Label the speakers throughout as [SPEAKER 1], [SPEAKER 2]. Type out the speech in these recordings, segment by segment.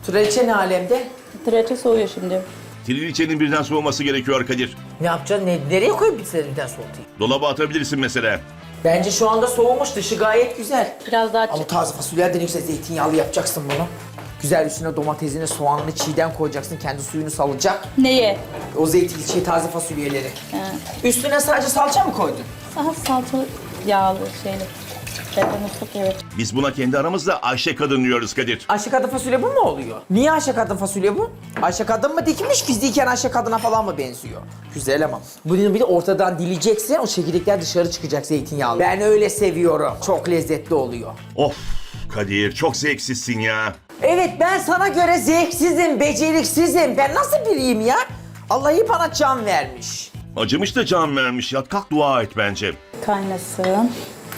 [SPEAKER 1] Traliçe ne alemde?
[SPEAKER 2] Traçe soğuyor şimdi.
[SPEAKER 3] Triliçenin birden soğuması gerekiyor Kadir.
[SPEAKER 1] Ne yapacaksın? Nereye koyup biterinden soğutayım?
[SPEAKER 3] Dolaba atabilirsin mesela.
[SPEAKER 1] Bence şu anda soğumuş. Dışı gayet güzel.
[SPEAKER 2] Biraz daha
[SPEAKER 1] Ama taze fasulyelerden yüksek zeytinyağlı yapacaksın bunu. Güzel üstüne domatesini, soğanını çiğden koyacaksın. Kendi suyunu salacak.
[SPEAKER 2] Neye?
[SPEAKER 1] O zeytin, taze fasulyeleri. Üstüne sadece salça mı koydun?
[SPEAKER 2] Daha salçalı, yağlı şeyli. Musluk evet.
[SPEAKER 3] Biz buna kendi aramızda Ayşe kadın diyoruz Kadir.
[SPEAKER 1] Ayşe kadın fasulye bu mu oluyor? Niye Ayşe kadın fasulye bu? Ayşe kadın mı dikmiş, fiziken Ayşe kadına falan mı benziyor? Güzel ama. Bunu bir de ortadan dileyeceksin, o çekirdekler dışarı çıkacak zeytinyağlı. Ben öyle seviyorum. Çok lezzetli oluyor.
[SPEAKER 3] Of Kadir çok zevksizsin ya.
[SPEAKER 1] Evet, ben sana göre zevksizim, beceriksizim. Ben nasıl biriyim ya? Allah'ı bana can vermiş.
[SPEAKER 3] Acımış da can vermiş. Yat kalk dua et bence.
[SPEAKER 2] Kaynasın.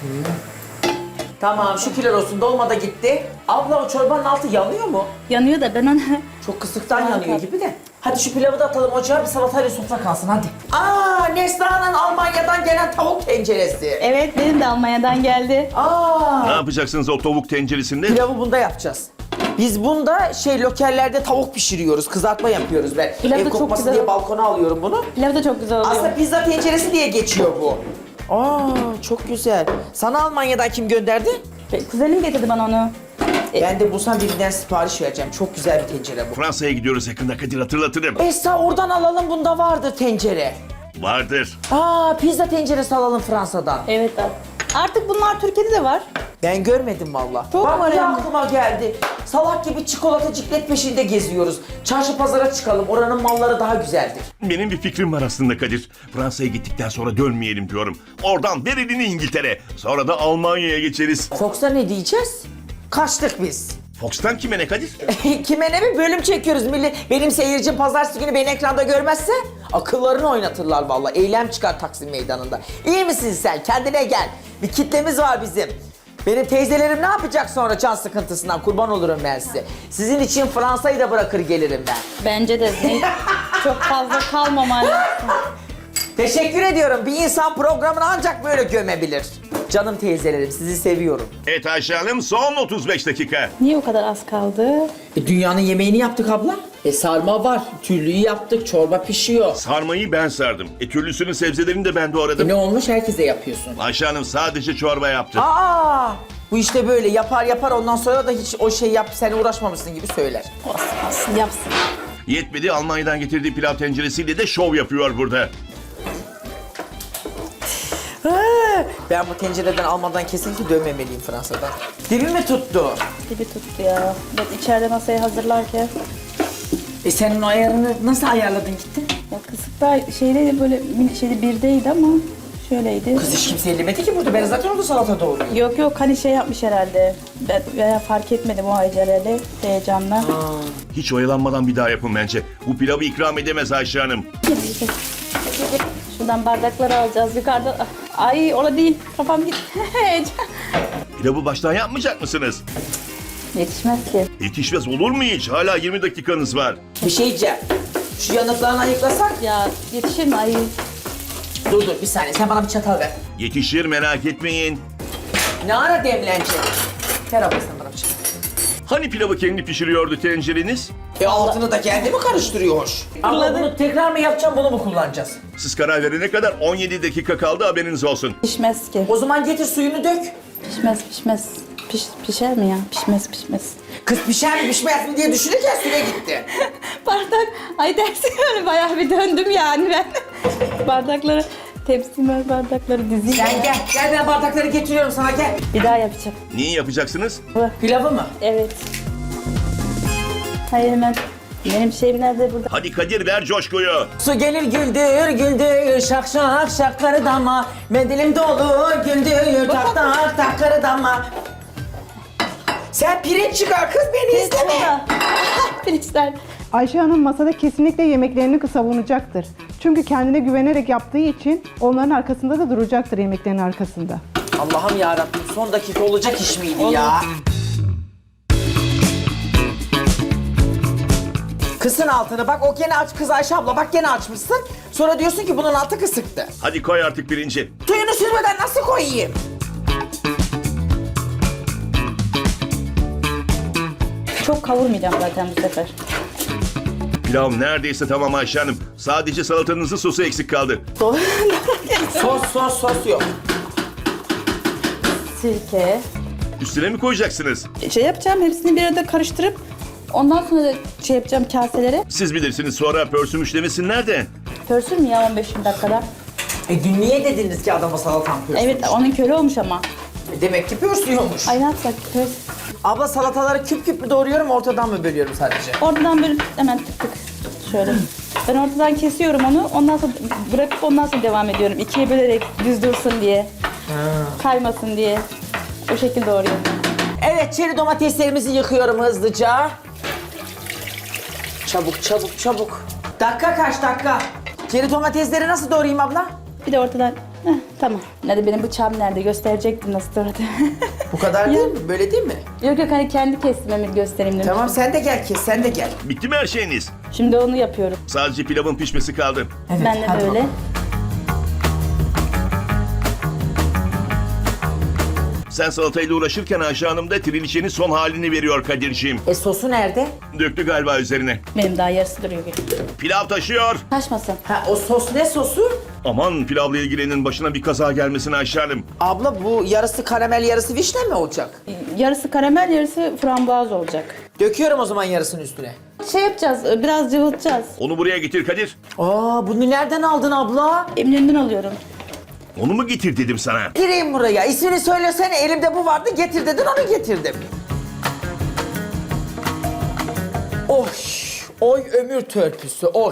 [SPEAKER 1] Tamam, şükürler olsun. Dolma da gitti. Abla o çorbanın altı yanıyor mu?
[SPEAKER 2] Yanıyor da ben onu...
[SPEAKER 1] Çok kısıktan
[SPEAKER 2] Tamam,
[SPEAKER 1] yanıyor
[SPEAKER 2] tamam.
[SPEAKER 1] gibi de. Hadi şu pilavı da atalım ocağa, bir salatayla sofra kalsın hadi. Aa, Neslihan'ın Almanya'dan gelen tavuk tenceresi.
[SPEAKER 2] Evet, benim de Almanya'dan geldi.
[SPEAKER 3] Ne
[SPEAKER 1] Aa,
[SPEAKER 3] yapacaksınız o tavuk tenceresinde?
[SPEAKER 1] pilavı bunda yapacağız. Biz bunda lokellerde tavuk pişiriyoruz, kızartma yapıyoruz ben.
[SPEAKER 2] Pilav da
[SPEAKER 1] Ev
[SPEAKER 2] çok
[SPEAKER 1] kokması
[SPEAKER 2] güzel
[SPEAKER 1] diye
[SPEAKER 2] olur.
[SPEAKER 1] balkona alıyorum bunu.
[SPEAKER 2] Pilav da çok güzel oluyor.
[SPEAKER 1] Aslında pizza tenceresi diye geçiyor bu. Aa, çok güzel. Sana Almanya'dan kim gönderdi?
[SPEAKER 2] Kuzenim getirdi bana onu.
[SPEAKER 1] Ben de bulsam birinden sipariş vereceğim. Çok güzel bir tencere bu.
[SPEAKER 3] Fransa'ya gidiyoruz yakında Kadir hatırlatırım.
[SPEAKER 1] Esra oradan alalım, bunda vardır tencere.
[SPEAKER 3] Vardır.
[SPEAKER 1] Aa, pizza tenceresi alalım Fransa'dan.
[SPEAKER 2] Evet abi. Artık bunlar Türkiye'de de var.
[SPEAKER 1] Ben görmedim valla.
[SPEAKER 2] Çok
[SPEAKER 1] Bak
[SPEAKER 2] var
[SPEAKER 1] bir
[SPEAKER 2] hem de.
[SPEAKER 1] aklıma geldi. Salak gibi çikolata ciklet peşinde geziyoruz. Çarşı pazara çıkalım. Oranın malları daha güzeldir.
[SPEAKER 3] Benim bir fikrim var aslında Kadir. Fransa'ya gittikten sonra dönmeyelim diyorum. Oradan ver elini İngiltere. Sonra da Almanya'ya geçeriz.
[SPEAKER 1] Fox'a ne diyeceğiz? Kaçtık biz.
[SPEAKER 3] Fox'tan kime ne Kadir?
[SPEAKER 1] Kime ne bir bölüm çekiyoruz millet. Benim seyircim pazartesi günü beni ekranda görmezse akıllarını oynatırlar valla. Eylem çıkar Taksim Meydanı'nda. İyi misin sen? Kendine gel. Bir kitlemiz var bizim. Benim teyzelerim ne yapacak sonra can sıkıntısından? Kurban olurum ben size. Sizin için Fransa'yı da bırakır gelirim ben.
[SPEAKER 2] Bence de çok fazla kalmaman lazım.
[SPEAKER 1] Teşekkür ediyorum. Bir insan programını ancak böyle gömebilir. Canım teyzelerim, sizi seviyorum.
[SPEAKER 3] Evet Ayşe Hanım son 35 dakika.
[SPEAKER 2] Niye o kadar az kaldı?
[SPEAKER 1] Dünyanın yemeğini yaptık abla. Sarma var, türlüyü yaptık, çorba pişiyor.
[SPEAKER 3] Sarmayı ben sardım. Türlüsünün sebzelerini de ben doğradım.
[SPEAKER 1] Ne olmuş? Herkese yapıyorsun.
[SPEAKER 3] Ayşe Hanım sadece çorba yaptı.
[SPEAKER 1] Aa! Bu işte böyle yapar ondan sonra da hiç o şey yap sen uğraşmamışsın gibi söyler.
[SPEAKER 2] Olsun yapsın.
[SPEAKER 3] Yetmedi Almanya'dan getirdiği pilav tenceresiyle de şov yapıyor burada.
[SPEAKER 1] Ben bu tencereden almadan kesinlikle dönmemeliyim Fransa'dan. Dibi mi tuttu?
[SPEAKER 2] Gibi tuttu ya. Ben içeride masayı hazırlarken.
[SPEAKER 1] Senin o ayarını nasıl ayarladın gitti?
[SPEAKER 2] Ya kısıkta şeydeydi böyle şeyde birdeydi ama şöyleydi.
[SPEAKER 1] Kız hiç kimse ellemedi ki burada. Ben zaten orada salata doğruyorum.
[SPEAKER 2] Yok hani şey yapmış herhalde. Ben veya fark etmedim o aceleli heyecanla.
[SPEAKER 3] Hiç oyalanmadan bir daha yapın bence. Bu pilavı ikram edemez Ayşe Hanım.
[SPEAKER 2] Şuradan bardakları alacağız yukarıda. Ay orada değil. Kafam gitti. Heyecan.
[SPEAKER 3] Pilavı baştan yapmayacak mısınız?
[SPEAKER 2] Yetişmez ki.
[SPEAKER 3] Yetişmez olur mu hiç? Hala 20 dakikanız var.
[SPEAKER 1] Bir şey diyeceğim. Şu yanıklarını ayıklasak.
[SPEAKER 2] Ya yetişir mi? Ay.
[SPEAKER 1] Dur bir saniye. Sen bana bir çatal ver.
[SPEAKER 3] Yetişir merak etmeyin.
[SPEAKER 1] Ne ara demlenecek? Ver abla sen bana bir çatal.
[SPEAKER 3] Hani pilavı kendi pişiriyordu tencereniz?
[SPEAKER 1] Altını da kendi mi karıştırıyor hoş? Abla bunu tekrar mı yapacağım, bunu mu kullanacağız?
[SPEAKER 3] Siz karar verene kadar 17 dakika kaldı haberiniz olsun.
[SPEAKER 2] Pişmez ki.
[SPEAKER 1] O zaman getir suyunu dök.
[SPEAKER 2] Pişmez. Pişer mi ya? Pişmez.
[SPEAKER 1] Kız pişer mi pişmez mi diye düşünürken süre gitti.
[SPEAKER 2] Bardak. Ay dersin öyle bayağı bir döndüm yani ben. Bardakları, bardakları dizeyim.
[SPEAKER 1] Sen gel ben bardakları getiriyorum sana gel.
[SPEAKER 2] Bir daha yapacağım.
[SPEAKER 3] Neyi yapacaksınız?
[SPEAKER 1] Pilavı mı?
[SPEAKER 2] Evet. Hayır hemen. Benim şeyim nerede burada?
[SPEAKER 3] Hadi Kadir ver coşkuyu.
[SPEAKER 1] Su gelir güldür şak şak şakları dama. Mendilim dolu güldür tak tak takları dama. Sen pirinç çıkar kız beni izleme.
[SPEAKER 2] Pirinçler.
[SPEAKER 4] Ayşe Hanım masada kesinlikle yemeklerini savunacaktır. Çünkü kendine güvenerek yaptığı için onların arkasında da duracaktır yemeklerin arkasında.
[SPEAKER 1] Allah'ım yarabbim son dakika olacak iş miydi ya? Kısın altını bak o gene aç kız Ayşe abla bak gene açmışsın. Sonra diyorsun ki bunun altı kısıktı.
[SPEAKER 3] Hadi koy artık pirinci.
[SPEAKER 1] Suyunu sürmeden nasıl koyayım?
[SPEAKER 2] Çok kavurmayacağım zaten bu sefer.
[SPEAKER 3] Pilav neredeyse tamam Ayşe Hanım. Sadece salatanızın sosu eksik kaldı.
[SPEAKER 1] Sos yok.
[SPEAKER 2] Sirke.
[SPEAKER 3] Üstüne mi koyacaksınız?
[SPEAKER 2] Şey yapacağım, hepsini bir arada karıştırıp ondan sonra da şey yapacağım kaselere.
[SPEAKER 3] Siz bilirsiniz, sonra pörsümüş demesinler de.
[SPEAKER 2] Pörsür mü ya 15 dakikada?
[SPEAKER 1] Dün niye dediniz ki adama salatan pörsün?
[SPEAKER 2] Evet, onun köle olmuş ama.
[SPEAKER 1] Demek ki pörsüyormuş.
[SPEAKER 2] Ay ne yapsak?
[SPEAKER 1] Abla salataları küp küp mü doğruyorum, ortadan mı bölüyorum sadece?
[SPEAKER 2] Oradan böyle hemen tık tık şöyle. Ben ortadan kesiyorum onu, ondan sonra bırakıp ondan sonra devam ediyorum. İkiye bölerek düz dursun diye, kaymasın diye. O şekilde doğruyorum.
[SPEAKER 1] Evet, çeri domateslerimizi yıkıyorum hızlıca. Çabuk. Dakika kaç dakika? Çeri domatesleri nasıl doğrayayım abla?
[SPEAKER 2] Bir de ortadan, tamam. Nerede benim bıçağım nerede? Gösterecektim nasıl doğradı.
[SPEAKER 1] Bu kadar değil mi? Böyle değil mi?
[SPEAKER 2] Yok hani kendi kesmemi göstereyim dedim.
[SPEAKER 1] Tamam, sen de gel kes, sen de gel.
[SPEAKER 3] Bitti mi her şeyiniz?
[SPEAKER 2] Şimdi onu yapıyorum.
[SPEAKER 3] Sadece pilavın pişmesi kaldı.
[SPEAKER 1] Evet,
[SPEAKER 2] Ben de
[SPEAKER 1] hadi
[SPEAKER 2] böyle.
[SPEAKER 1] bakalım.
[SPEAKER 3] Sen salatayla uğraşırken Ayşe Hanım da trilişenin son halini veriyor Kadir'ciğim.
[SPEAKER 1] Sosu nerede?
[SPEAKER 3] Döktü galiba üzerine.
[SPEAKER 2] Benim daha yarısı duruyor.
[SPEAKER 3] Pilav taşıyor.
[SPEAKER 2] Taşmasın.
[SPEAKER 1] Ha, o sos ne sosu?
[SPEAKER 3] Aman pilavla ilgilenin, başına bir kaza gelmesin Ayşe Hanım.
[SPEAKER 1] Abla bu yarısı karamel yarısı vişne mi olacak?
[SPEAKER 2] Yarısı karamel, yarısı frambuaz olacak.
[SPEAKER 1] Döküyorum o zaman yarısını üstüne.
[SPEAKER 2] Şey yapacağız, biraz cıvıtacağız.
[SPEAKER 3] Onu buraya getir Kadir.
[SPEAKER 1] Bunu nereden aldın abla?
[SPEAKER 2] Eminönü'nden alıyorum.
[SPEAKER 3] Onu mu getir dedim sana.
[SPEAKER 1] Gireyim buraya. İsmini söylesene, elimde bu vardı, getir dedin, onu getirdim. Oy ömür törpüsü, oy.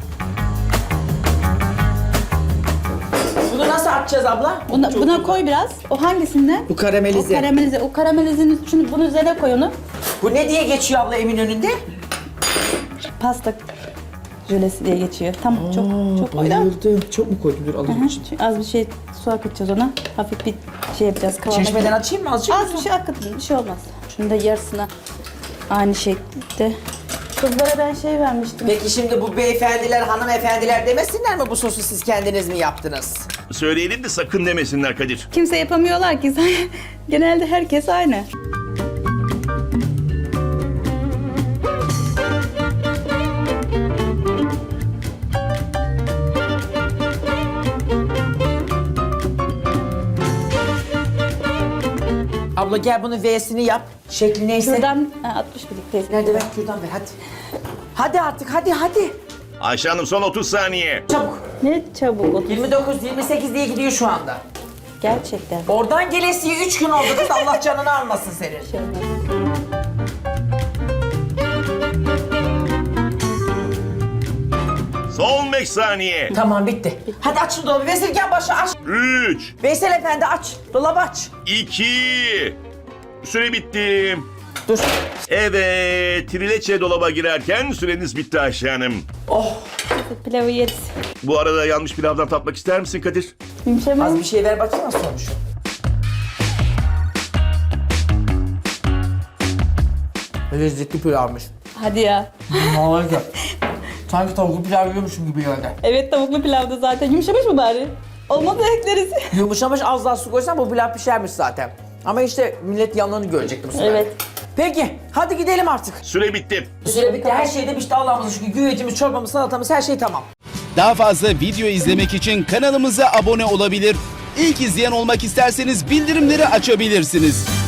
[SPEAKER 1] Bunu nasıl atacağız abla?
[SPEAKER 2] Buna koy biraz. O hangisinden?
[SPEAKER 1] Bu karamelize.
[SPEAKER 2] O karamelize. O karamelizin şunu bunun üzerine koy onu.
[SPEAKER 1] Bu ne diye geçiyor abla Eminönü'nde?
[SPEAKER 2] Pasta jölesi diye geçiyor. Tamam, çok koy da.
[SPEAKER 1] Bayıldım. Çok mu koydun? Dur alayım için.
[SPEAKER 2] Şimdi az bir şey su akıtacağız ona. Hafif bir şey yapacağız. Kıvama.
[SPEAKER 1] Çeşmeden açayım mı azıcık?
[SPEAKER 2] Az bir şey akıtın, bir şey olmaz. Şunu da yarısına aynı şekilde. Kızlara ben şey vermiştim.
[SPEAKER 1] Peki şimdi bu beyefendiler, hanımefendiler demesinler mi bu sosu siz kendiniz mi yaptınız?
[SPEAKER 3] Söyleyelim de sakın demesinler Kadir.
[SPEAKER 2] Kimse yapamıyorlar ki. Genelde herkes aynı.
[SPEAKER 1] Abla gel bunun V'sini yap. Şekli neyse.
[SPEAKER 2] Şuradan 60 birlikteyiz.
[SPEAKER 1] Nerede ver kürdan ver hadi. Hadi artık hadi.
[SPEAKER 3] Ayşe Hanım son 30 saniye.
[SPEAKER 1] Çabuk.
[SPEAKER 2] Ne çabuk oldu.
[SPEAKER 1] 29, 28 diye gidiyor şu anda.
[SPEAKER 2] Gerçekten.
[SPEAKER 1] Oradan gelesiye 3 gün oldu kız, Allah canını almasın senin.
[SPEAKER 2] Şey olmaz.
[SPEAKER 3] Son 5 saniye.
[SPEAKER 1] Tamam bitti. Hadi aç şu dolabı. Vezirgen başı aç.
[SPEAKER 3] 3,
[SPEAKER 1] Veysel Efendi aç. Dolabı aç.
[SPEAKER 3] 2, süre bitti.
[SPEAKER 1] Dur.
[SPEAKER 3] Evet, trileçe dolaba girerken süreniz bitti Ayşe Hanım.
[SPEAKER 1] Oh.
[SPEAKER 2] Pilavı yeriz.
[SPEAKER 3] Bu arada yanmış pilavdan tatmak ister misin Kadir?
[SPEAKER 2] Yumuşamaz.
[SPEAKER 1] Az bir şey ver bakayım nasıl olmuş. Lezzetli pilavmış.
[SPEAKER 2] Hadi ya.
[SPEAKER 1] Harika. Sanki tavuklu pilav yiyormuşum gibi geldi.
[SPEAKER 2] Evet, tavuklu pilavda zaten. Yumuşamış mı bari? Olmadı ekleriz.
[SPEAKER 1] Yumuşamış, az daha su koysan bu pilav pişermiş zaten. Ama işte millet yanlarını görecekti bu sefer.
[SPEAKER 2] Evet.
[SPEAKER 1] Peki hadi gidelim artık.
[SPEAKER 3] Süre bitti.
[SPEAKER 1] Süre bitti, her şey de pişti Allah'ımıza şükür. Güvecimiz, çorbamız, salatamız, her şey tamam.
[SPEAKER 5] Daha fazla video izlemek için kanalımıza abone olabilir. İlk izleyen olmak isterseniz bildirimleri açabilirsiniz.